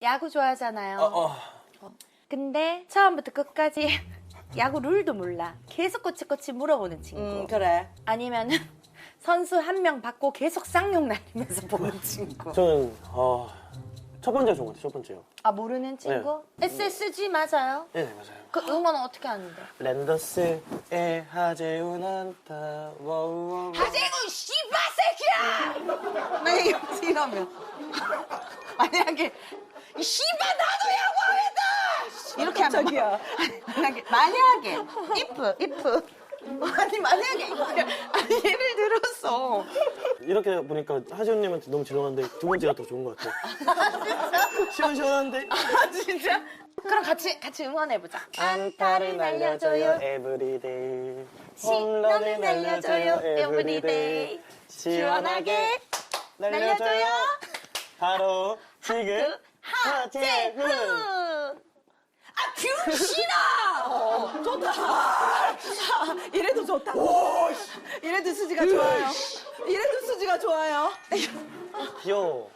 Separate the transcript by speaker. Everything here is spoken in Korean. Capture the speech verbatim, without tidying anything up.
Speaker 1: 야구 좋아하잖아요.
Speaker 2: 어, 어.
Speaker 1: 근데 처음부터 끝까지 야구 룰도 몰라. 계속 꼬치꼬치 물어보는 친구.
Speaker 3: 음, 그래.
Speaker 1: 아니면은 선수 한 명 받고 계속 쌍욕 날리면서 보는 친구.
Speaker 2: 저는 어, 첫 번째 좋은 것 같아요. 첫 번째요.
Speaker 1: 아 모르는 친구? 에스에스지 맞아요?
Speaker 2: 네, 네 맞아요.
Speaker 1: 그 응원은 어떻게 하는데?
Speaker 2: 랜더스의 하재훈 한타 워우워우.
Speaker 1: 하재훈 씨발 새끼야! 만약에 이러면 만약에 이 씨발 나도 야구하겠다! 이렇게 하면
Speaker 3: 저기요.
Speaker 1: 만약에 만약에 if if 아니 만약에 이거를 아니 예를 들었어.
Speaker 2: 이렇게 보니까 하재훈님한테 너무 죄송한데 두 번째가 더 좋은 것 같아요. 시원시원한데?
Speaker 1: 아 진짜? 그럼 같이 같이 응원해보자.
Speaker 2: 안타를 날려줘요 에브리데이.
Speaker 1: 홈런을 날려줘요 에브리데이. 시원하게 날려줘요.
Speaker 2: 바로 지금 하재훈.
Speaker 1: 하재훈.
Speaker 3: 아, 뷰시나! 어, 좋다. 이래도 좋다. 이래도 수지가 좋아요. 이래도 수지가 좋아요.
Speaker 2: 귀여워.